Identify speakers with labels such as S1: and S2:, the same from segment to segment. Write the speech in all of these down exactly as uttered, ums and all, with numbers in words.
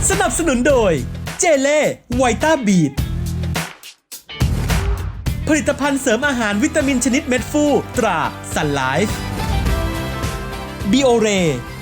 S1: สนับสนุนโดยเจเล่ไวต้าบีทผลิตภัณฑ์เสริมอาหารวิตามินชนิดเม็ดฟูตราสันไลฟ์บิโอเร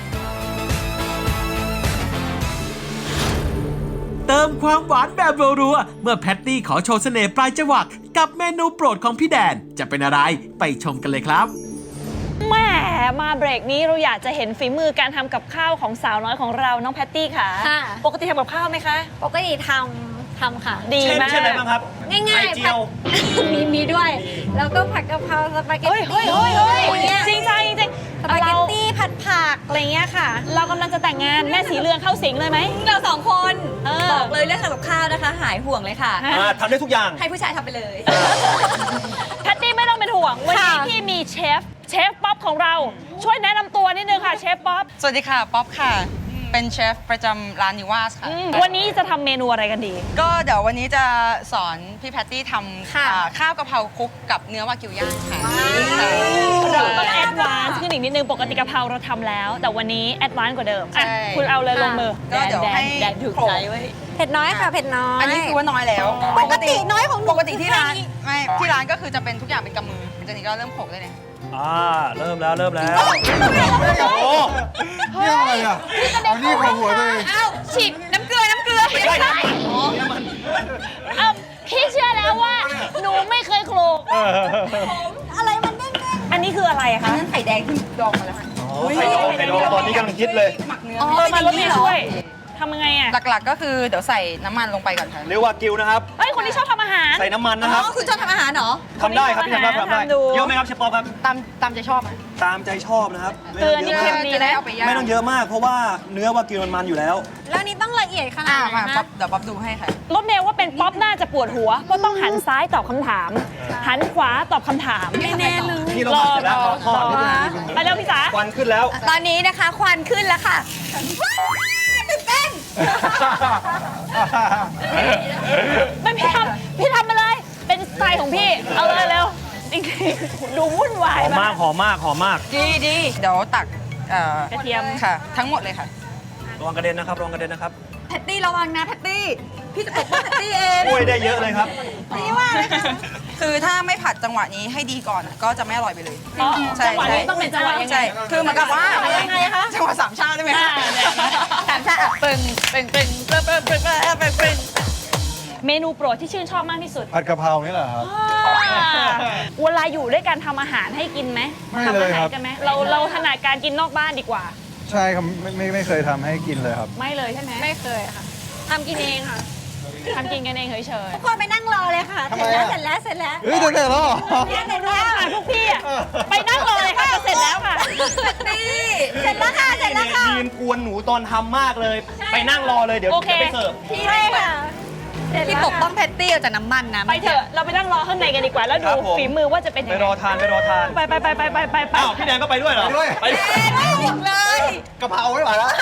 S1: เติมความหวานแบบรัวๆเมื่อแพตตี้ขอโชว์เสน่ห์ปลายจวักกับเมนูโปรดของพี่แดนจะเป็นอะไรไปชมกันเลยครับ
S2: แม่มาเบรกนี้เราอยากจะเห็นฝีมือการทำกับข้าวของสาวน้อยของเราน้องแพตตี้ค่ะปกติทำกับข้าวไหมคะ
S3: ปกติทำทำค่ะ
S2: ดีมาก
S4: เช่นอะไรบ้างครับ
S3: ง่ายๆ
S4: ไข่เจียว
S3: มีมีด้วย แล้วก็ผัดกะเพราสปาเกต
S2: เฮ้ย
S3: ตี้
S2: เฮ้ยเฮ้ยเฮ้ย
S3: เนี่ย
S2: จริงจังจริง
S3: สปาเกตตี้ผัดผักอะไรเงี้ยค่ะ
S2: เรากำลังจะแต่งงานแม่สีเรืองเข้าสิงเลยไหม
S5: เราสองคน
S2: เออ
S5: บอกเลยเรื่องทำกับข้าวนะคะ หายห่วงเลยค่ะ
S4: อ่าทำได้ทุกอย่าง
S5: ให้ผู้ชายทำไปเลย
S2: แพตตี้ไม่ต้องเป็นห่วงวันนี้
S3: ค่ะ
S2: พี่มีเชฟเชฟป๊อปของเราช่วยแนะนำตัวนิดนึงค่ะเชฟป๊อป
S6: สวัสดีค่ะ ป๊อปค่ะ เป็นเชฟประจำร้านนิวาสค่ะ
S2: อืมวันนี้จะทำเมนูอะไรกันดี
S6: ก็เดี๋ยววันนี้จะสอนพี่แพตตี้ทำ
S3: ค่ะ
S6: อ่าข้าวกะเพราคลุกกับเนื้อวากิวย่างค่ะ
S2: เราต้องแอดวานซ์ขึ้นอีกนิดนึงปกติกะเพราเราทำแล้ว แต่วันนี้แอดวานซ์กว่าเดิมอ่ะ
S6: ใช่
S2: คุณเอาเลยลงมือ
S6: ก็เดี๋ยว
S2: แดน
S6: ให้
S2: แดนถูกใจไว้ย
S3: เผ็ดน้อยค่ะเผ็ดน้อย
S6: อันนี้คือว่าน้อยแล้ว
S3: ปกติน้อยของหนู
S6: ปกติที่ร้าน
S3: คือ
S6: ไม่ที่ร้านก็คือจะเป็นทุกอย่างเป็นกำมือจากนี้ก็เริ่มโขลกได้เลย
S4: อ่า เริ่มแล้วเริ่มแล้ว โอ้
S7: นี่อะไรอ่ะเอานี่ของหัวตัวเอง
S5: อ้าวฉีดน้ำเกลือ น้ำเกลือ
S4: ไม่ใช่นะ
S2: เอ่อพี่เชื่อแล้วว่าหนูไม่เคยโคลก
S3: อะไรมันเด้ง
S2: อันนี้คืออะไรอะ
S5: อัน
S2: คะ
S5: นั้นไข่แดงที่ดองมาแล้วค่ะ
S4: โอ้ไข่ดองไข่ดองตอนนี้กำลังฮิตเลย
S6: หมักเนื้อ
S5: อ๋อ
S2: เออมารถไม่ช่วยทำยังไงอะ
S6: หลักๆก็คือเดี๋ยวใส่น้ำมันลงไปก่อนค่ะ
S4: เรียกว่ากิวนะครับ
S2: เฮ้ยคนที่ชอบทำอาหาร
S4: ใส่น้ำมันนะครับ
S5: อ๋อคุณชอบทำอาหารเหรอ
S4: ทำได้ครับพี่ทำได้ทำได้
S2: ทำดู
S4: เยอะไหมครับเชฟปอครับ
S6: ตามตามใจชอบไหม
S4: ตามใจชอบนะครับ
S2: เกลือนี่
S4: ไม่
S2: เค็
S4: ต้
S2: ม
S4: อง
S2: ดี
S6: จะได้
S2: นะ
S6: เอาไปย่าง
S4: ไม่ต้องเยอะมาก เพราะว่าเนื้อวากิวมันมันอยู่แล้ว
S3: แล้วนี่ต้องละเอียดขนา
S6: อ่า
S3: ดไหน
S6: มาป๊อ
S3: นะ
S6: ปเดี๋ยวป๊อปดูให้ค่ะ
S2: รถเมย์ว่าเป็นป๊อปน่าจะปวดหัวเพราะต้องหันซ้ายตอบคำถาม หันขวาตอบคำถาม
S3: แน่ๆเลย
S4: นี่เราผัดเสร็จแล้วเราทอด
S2: ไปเร็วพี่จ๋า
S4: ควันขึ้นแล้ว
S5: ตอนนี้นะคะควันขึ้นแล้วค่ะตื่นเต้น
S2: ไม่พี่ทำพี่ทำมาเลย เป็นสไตล์ของพี่ เอาเลยเร็วจริงๆดูวุ่นวา
S4: ห
S2: ย
S4: อมมากหอมมากหอมมาก
S6: ดีดีเดี๋ยวตักเอ่อก
S2: ระเทียม
S6: ค่ะ ทั้งหมดเลยค่ะ
S4: ระวังกระเด็นนะครับระวังกระเด็นนะครับ
S5: แพตตี้ระวังนะแพตตี้ พี่จะปกป้องแพตตี้เอง
S4: ช่วยได้เยอะเลยครับ
S5: นี่ว่าเลยค่ะ
S6: คือถ้าไม่ผัดจังหวะนี้ให้ดีก่อนอะก็จะไม่อร่อยไปเลย
S2: อ๋อ
S6: ใช่
S2: จังหวะนี้ต้องเป็นจังหวะยังไง
S6: ใช่คือเหมือนกับว่า
S5: ยังไงคะ
S6: จังหวะสามชาติได้ไหม
S2: อ่า
S6: คะ
S2: เนี่ย
S5: สามชาติอ่ะ
S6: ปึ้งปึ้งปึ้งปึ้งปึ้งปึ้งปึ้งปึ้งปึ้ง
S2: เมนูโปรดที่ชื่นชอบมากที่สุด
S7: ผัดกะเพรานี่แหละครับ
S2: เวลาอยู่ด้วยกันทำอาหารให้กินไหม
S7: ไม่
S2: ทำ
S7: เล
S2: อาย หา
S7: ครั
S2: ร
S7: บ
S2: กันไหมเราเราถนัดการกินนอกบ้านดีกว่า
S7: ใช่ครับไม่ไม่ไม่เคยทำให้กินเลยครับ
S2: ไม่เลยใช่ไหม
S3: ไม่เคยค่ะทำกินเองค่ะ
S2: ทำกินกันเองเฉย
S3: ทุกคนไปนั่งรอเลยค่ะ
S7: ทำ
S3: เสร็
S7: ไม
S3: จแล้ว
S7: อะ
S3: เสร็จแล้วเสร็จแล้ว
S7: เฮ้ยเดี๋ยวเดี๋ยวเหรอ
S3: เสร็จ
S2: ๆ
S3: แล้ว
S2: ค่ะพวกพี่อะไปนั่งรอเลยค่ะจะเสร็จแล้วค่ะ
S5: นี่
S3: เสร็จแล้วค่ะเสร็จแล้วค่ะ
S4: ยืนกวนหนูตอนทำมากเลย ไปนั่งรอเลยเดี๋ยว
S2: โอเค
S4: จะไปเสิร์ฟ
S3: พี่ใช่ค่ะเสร็จ
S5: พี่
S3: แล้ว
S5: ปกป้องแพตตี้ออกจากน้ำมันนะ
S2: ไปเถอะเราไปนั่งรอข้างในกันดีกว่า แล้วดูฝีมือว่าจะเป็นยัง
S4: ไป
S2: ไง
S4: รอทานไปรอทาน
S2: ไปไปไปไปไปไปไป
S4: อ้าวพี่แดนก็ไปด้วยเหรอ
S7: ไปด้วย
S4: ไปด้วย
S5: ไม่หมดเลย
S7: กะเพราไม่ไหวแล้ว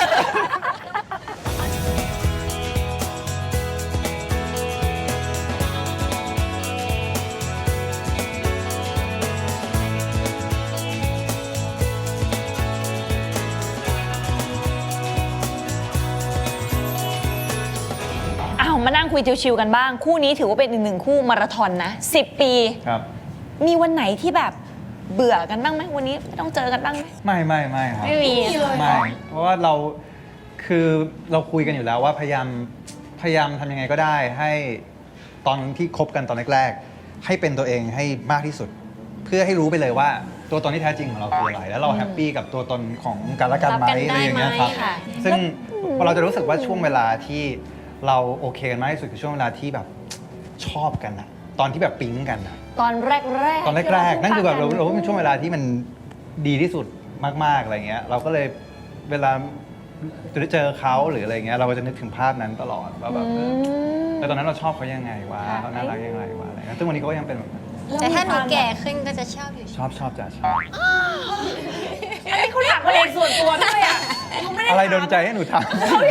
S2: อ้าวมานั่งคุยชิวๆกันบ้าง คู่นี้ถือว่าเป็นอีกหนึ่งคู่มาราธอนนะสิบปี
S7: ครับ
S2: มีวันไหนที่แบบเบื่อกันบ้างไหมวันนี้ไม่ต้องเจอกันบ้างไหม
S7: ไม่ไม่ไม่ครับ
S2: ไม่มี
S7: ไม่ เพราะว่าเราคือเราคุยกันอยู่แล้วว่าพยายามพยายามทำยังไงก็ได้ให้ตอนที่คบกันตอนแรกๆให้เป็นตัวเองให้มากที่สุด เพื่อให้รู้ไปเลยว่าตัวตนที่แท้จริงของเราคืออะไร แล้วเราแฮปปี้กับตัวตนของกันและกันไหม
S2: รับกันได้
S7: อะไรอย่างเงี้ยครับ
S2: ไหมค่ะ
S7: ซึ่งพอเราจะรู้สึกว่าช่วงเวลาที่เราโอเคกันมากที่สุดคือช่วงเวลาที่แบบชอบกันอะตอนที่แบบปิ๊งกันอะ
S2: ตอนแรกๆ
S7: ตอนแรกๆ นั่นคือแบบเรา
S2: ที่
S7: เราว่าเป็นช่วงเวลาที่มันดีที่สุดมากๆอะไรเงี้ยเราก็เลยเวลาจะได้เจอเขาหรืออะไรเงี้ยเราก็จะนึกถึงภาพนั้นตลอดว่าแบบเออแต่ตอนนั้นเราชอบเขายังไงวะเขาน่ารักยังไงวะอะไรเงี้ยซึ่งวันนี้เขาก็ยังเป็นแบบนั้น
S3: แต่ถ้าหนูแก่ขึ้นก็จะชอบอยู่
S7: ชอบชอบจ้ะชอบ
S2: อันนี้เขาอยากเพลงส่วนตัวด้วยอ่ะ
S7: อะไรอะไรโดนใจให้หนูทำ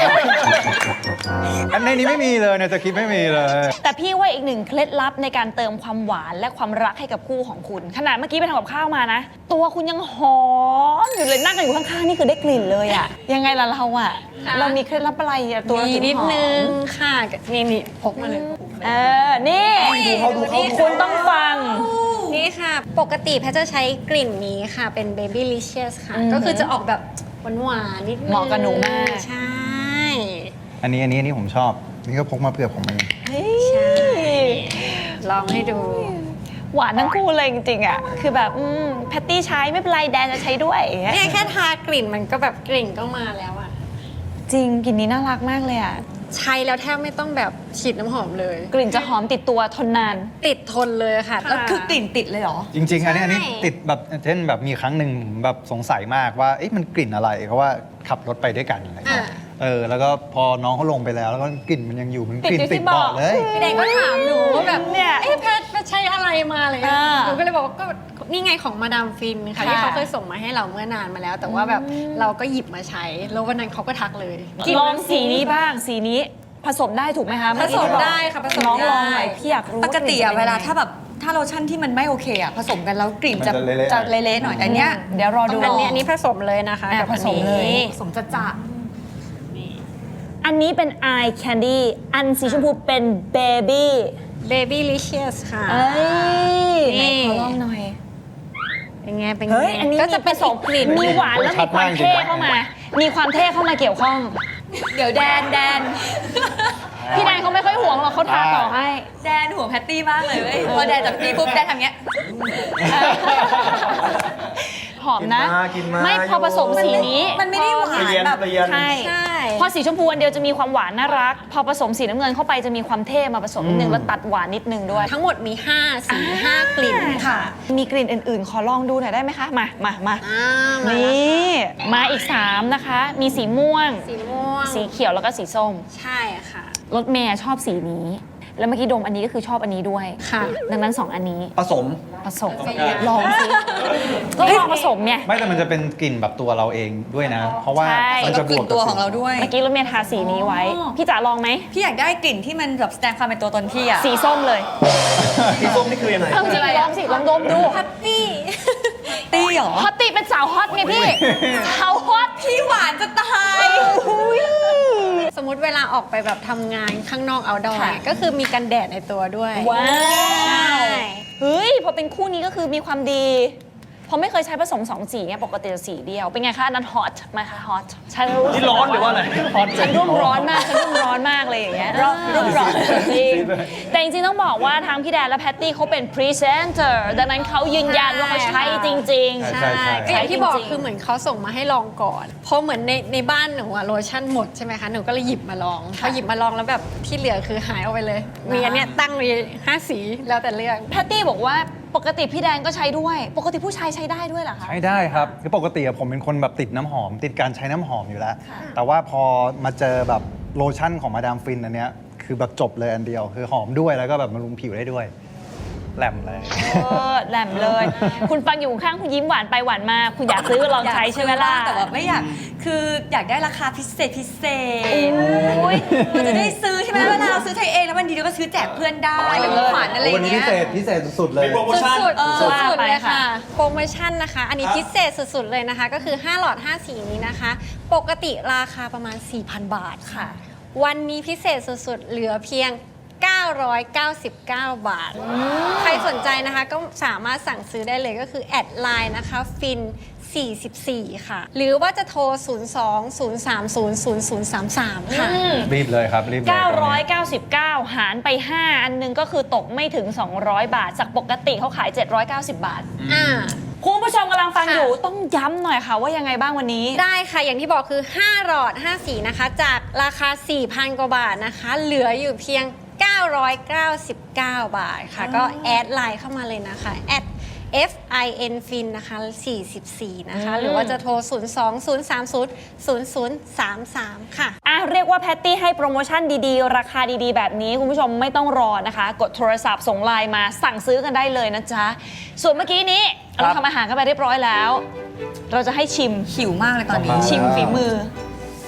S7: อันในนี้ไม่มีเลยในสคริปต์ไม่มีเลย
S2: แต่พี่ว่าอีกหนึ่งเคล็ดลับในการเติมความหวานและความรักให้กับคู่ของคุณ ขนาดเมื่อกี้ไปทำกับข้าวมานะ ตัวคุณยังหอมอยู่เลยนั่งกันอยู่ข้างๆนี่คือได้กลิ่นเลยอะยังไงล่ะเราอะเรามีเคล็ดลับอะไรอะตัวเรา
S3: มี
S2: ถึง
S3: นิด
S2: หอม
S3: นึงค่ะนี่นี่พกมาเลย
S2: เออนี่คุณต้องฟัง
S3: นี่ค่ะ ปกติแพทย์จะใช้กลิ่นนี้ค่ะ เป็น Baby Licious ค่ะ
S2: อือหือ
S3: ก็คือจะออกแบบหวานๆนิดนึง
S2: เหมาะกับหนูมาก
S3: ใช่
S7: อันนี้อันนี้อันนี้ผมชอบ นี่ก็พกมาเผื่อผมเอง
S3: ใช่ ลองให้ดู
S2: หวานทั้งคู่เลยจริงๆอะคือแบบอืมแพตตี้ใช้ไม่เป็นไรแดนจะใช้ด้วยอย่างเงี้ย
S3: เนี่ยแค่ทากลิ่นมันก็แบบกลิ่นก็มาแล้วอะ
S2: จริงกลิ่นนี้น่ารักมากเลยอะ
S3: ใช้แล้วแทบไม่ต้องแบบฉีดน้ำหอมเลย
S2: กลิ่นจะหอมติดตัวทนนาน
S3: ติดทนเลยค่ะ
S5: แล้วคือกลิ่นติดเลยเหรอ
S7: จริง ๆ อันนี้อันนี้
S3: ใช่
S7: ติดแบบเช่นแบบมีครั้งหนึ่งผมแบบสงสัยมากว่าเอ๊ะมันกลิ่นอะไรเพราะว่าขับรถไปด้วยกันอะไรเงี้ยเออแล้วก็พอน้องเขาลงไปแล้วแล้วก็กลิ่นมันยังอยู่มันกลิ่น
S2: ติดอยู่ที่
S7: ติดเบาะ
S2: เบาะ
S7: เลย
S3: พี่แดงก็ถามหนูว่าแบบ
S2: เนี่ย
S3: เอ๊ะแพทแพทใช้อะไรมาอะไรเงี้ย
S2: อ่า
S3: หนูก็เลยบอกว่าก็นี่ไงของมาดามฟินค่ะ
S2: ค่ะ
S3: ที่เขาเคยส่งมาให้เราเมื่อนานมาแล้ว แต่ว่าแบบเราก็หยิบมาใช้ แล้ววันนั้นเขาก็ทักเลย
S2: ลองสีนี้บ้างสีนี้ผสมได้ถูกไหมคะ
S3: ผสมได้ค่ะผสม
S2: น้องลอง
S3: ได้
S2: หน่อยพี่อยากรู้
S5: ปกติอะ
S2: ลิ่น
S5: เว
S2: ป็น
S5: ลา
S2: ยังไง
S5: ถ้าแบบถ้าโลชั่นที่มันไม่โอเคอะผสมกันแล้วกลิ่นจะ
S7: มันจะเละๆ
S5: จะเละๆหน่อยแต่อันเนี้ย
S2: เดี๋ยวรอดู
S3: อันนี้อันนี้ผสมเลยนะคะ
S2: อ่ะ
S3: กับอัน
S2: ผสมเลย
S3: นี้
S5: ผสมจะจะ
S2: อันนี้เป็น eye candy อันสีชมพูเป็น baby
S3: Baby Licious ค่ะ
S2: เอ้ย
S3: นี่
S2: ไหนขอลองหน่อย
S3: เป็นไงเป็นไง
S2: เฮ้ยอันนี้
S3: ก็จะเป็น
S2: ส
S3: อี
S2: อง
S3: กกลิ่น
S2: มีหวานแล้วมีความเท่เข้ามา มีความเท่เข้ามาเกี่ยวข้อง
S5: เดี๋ยวแดนแดน
S2: พี่แดนเขาไม่ค่อยห่วงหรอกเขาทาต่อให้
S5: แดนห่วงแพตตี้มากเลยเว้ยพอแดนจับพี่ปุ๊บแดนทำเงี้ย
S2: หอมนะ
S4: กินมา
S2: ไม่พอผสมสีนี้
S5: มันไม่ได้หวาน
S4: เปลี่ยน
S5: แบบ
S4: เปลี่ยน
S2: ใช่
S3: ใช่
S2: พอสีชมพูอันเดียวจะมีความหวานน่ารัก พอผสมสีน้ำเงินเข้าไปจะมีความเท่มาผสมนิดนึงแล้วตัดหวานนิดนึงด้วย
S3: ทั้งหมดมี5สีห้ากลิ่นค่ะ
S2: มีกลิ่นอื่นๆ ขอลองดูหน่อยได้ไหมคะ มามามา
S3: อ่ามา
S2: นี่มาอีกสามนะคะ มีสีม่วง
S3: สีม่วง
S2: สีเขียวแล้วก็สีส้ม
S3: ใช่ค่ะ
S2: รถเมย์ชอบสีนี้ แล้วเมื่อกี้ดมอันนี้ก็คือชอบอันนี้ด้วย
S3: ค่ะ
S2: ดังนั้นสองอันนี้
S4: ผสม
S2: ผสมลองสิก็ลองผสมเนี่ย
S7: ไม่แต่มันจะเป็นกลิ่นแบบตัวเราเองด้วยนะ เพราะว่า
S2: ใช่
S7: มันจะบวก
S5: ตัว
S7: กับ
S5: ของเราด้วย
S2: เมื่อกี้รถเมย์ทาสีนี้ไว้
S5: อ๋อ
S2: พี่จ๋าลองไหม
S5: พี่อยากได้กลิ่นที่มันแบบแสดงความเป็นตัวตนพี่อะ
S2: สีส้มเลย
S4: สีส้มนี่คือยังไง
S2: เอาจริงลองสิลองดมดู
S3: แฮปปี้
S5: ตี้เหรอ
S2: ฮอตติเป็นสาวฮอตไงพี่ สาวฮอต
S5: พี่หวานจะตาย
S3: สมมุติเวลาออกไปแบบทำงานข้างนอกเอาดอ
S2: ค่ะ
S3: ก็คือมีกันแดดในตัวด้วย
S2: ว้า
S3: ใช่
S2: ว เฮ้ย พอเป็นคู่นี้ก็คือมีความดี เพราะไม่เคยใช้ผสมสองสีไงปกติจะสีเดียว เป็นไงคะอันนั้นฮอตไหมคะฮอตฉันรู้
S4: นี่ร้อนหรือว่าอะไร
S2: ฉันรุ่มร้อนมากฉันรุ่มร้อนมากเลยอย่างเงี้ยรุ่มรุ่มร้อนจริงแต่จริงๆต้องบอกว่าทางพี่แดนและแพตตี้เขาเป็นพรีเซนเตอร์ดังนั้นเขายืนยันว่าเขาใช้จริง
S7: ใช่ใช่
S3: ก็อย่างที่บอก
S2: จริงๆ
S3: คือเหมือนเขาส่งมาให้ลองก่อน เพราะเหมือนในในบ้านหนูอะโลชั่นหมดใช่ไหมคะ หนูก็เลยหยิบมาลอง พอหยิบมาลองแล้วแบบที่เหลือคือหายออกไปเลย มีอันเนี้ยตั้งมีห้าสีแล้วแต่เลือก
S2: ๆแพตตี้บอกว่าปกติพี่แดนก็ใช้ด้วย ปกติผู้ชายใช้ได้ด้วยเหรอคะ
S7: ใช้ได้ครับคือปกติอะผมเป็นคนแบบติดน้ำหอม ติดการใช้น้ำหอมอยู่แล้ว แต่ว่าพอมาเจอแบบโลชั่นของมาดามฟินอันเนี้ยคือแบบจบเลยอันเดียว คือหอมด้วยแล้วก็แบบบำรุงผิวได้ด้วยแหลมเลย
S2: เออแหลมเลย คุณฟังอยู่ข้างคุณยิ้มหวานไปหวานมา คุณอยากซื้อลองใช้ใช่ไหมล่ะ
S5: แต่แบบไม่อยาก คืออยากได้ราคาพิเศษพิเศษมันจะได้ซื้อใช่ไหมเวลาเราซื้อใช้เองแล้ววันดีเราก็ซื้อแจกเพื่อนได้เป็นของขวัญอะไรอ
S7: วัน
S5: ย่าง
S7: นี้
S5: เงี้
S7: พิ
S5: ย
S7: เศษพิเศษสุดๆเลย
S4: มีโปรโมชั่น
S3: สุด
S5: เออ
S3: ๆสุด
S2: ว่า
S3: ๆ
S2: ไป
S3: เลยค่ะ
S2: ค่ะ
S3: โปรโมชั่นนะคะ อันนี้พิเศษสุดๆเลยนะคะ ก็คือห้าหลอดห้าสีนี้นะคะ ปกติราคาประมาณ สี่พัน บาทค่ะ วันนี้พิเศษสุดๆ เหลือเพียง เก้าร้อยเก้าสิบเก้า บาท ใครสนใจนะคะก็สามารถสั่งซื้อได้เลยก็คือแอดไลน์นะคะฟินสี่สิบสี่ค่ะ หรือว่าจะโทร ศูนย์ สอง ศูนย์ สาม ศูนย์ ศูนย์ ศูนย์ สาม สาม ค่ะ
S7: รีบเลยครับรีบเลยตอนนี้
S2: เก้าร้อยเก้าสิบเก้า หารไป ห้า อันหนึงก็คือตกไม่ถึง สองร้อย บาท จากปกติเขาขาย เจ็ดร้อยเก้าสิบ บาท
S3: อ่า
S2: คุณผู้ชมกำลังฟัง
S3: ค่ะ
S2: อยู่ต้องย้ำหน่อยค่ะว่ายังไงบ้างวันนี้
S3: ได้ค่ะ อย่างที่บอกคือ ห้า หลอด ห้า สีนะคะ จากราคา สี่พัน กว่าบาทนะคะ เหลืออยู่เพียง เก้าร้อยเก้าสิบเก้า บาทค่ะ ก็แอดไลน์เข้ามาเลยนะคะแอด F I N Fin นะคะสี่สิบสี่นะคะ หรือว่าจะโทร ศูนย์ สอง ศูนย์ สาม ศูนย์ ศูนย์ ศูนย์ สาม สาม ค่ะ
S2: อ่ะเรียกว่าแพตตี้ให้โปรโมชั่นดีๆ ราคาดีๆ แบบนี้ คุณผู้ชมไม่ต้องรอนะคะ กดโทรศัพท์ส่งไลน์มาสั่งซื้อกันได้เลยนะจ๊ะ ส่วนเมื่อกี้นี้เราทำอาหารกันไปเรียบร้อยแล้ว เราจะให้ชิม
S5: หิวมากเลยตอนนี้
S7: ว้าว
S2: ชิมฝีมือ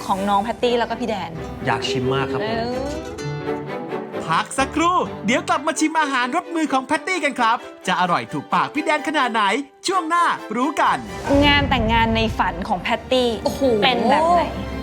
S2: ของน้องแพตตี้แล้วก็พี่แดน
S4: อยากชิมมากครับผม
S1: พักสักครู่ เดี๋ยวกลับมาชิมอาหารรสมือของแพตตี้กันครับ จะอร่อยถูกปากพี่แดนขนาดไหน ช่วงหน้ารู้กัน
S2: งานแต่งงานในฝันของแพตตี้
S5: โอ้โห
S2: เป็นแบบไหน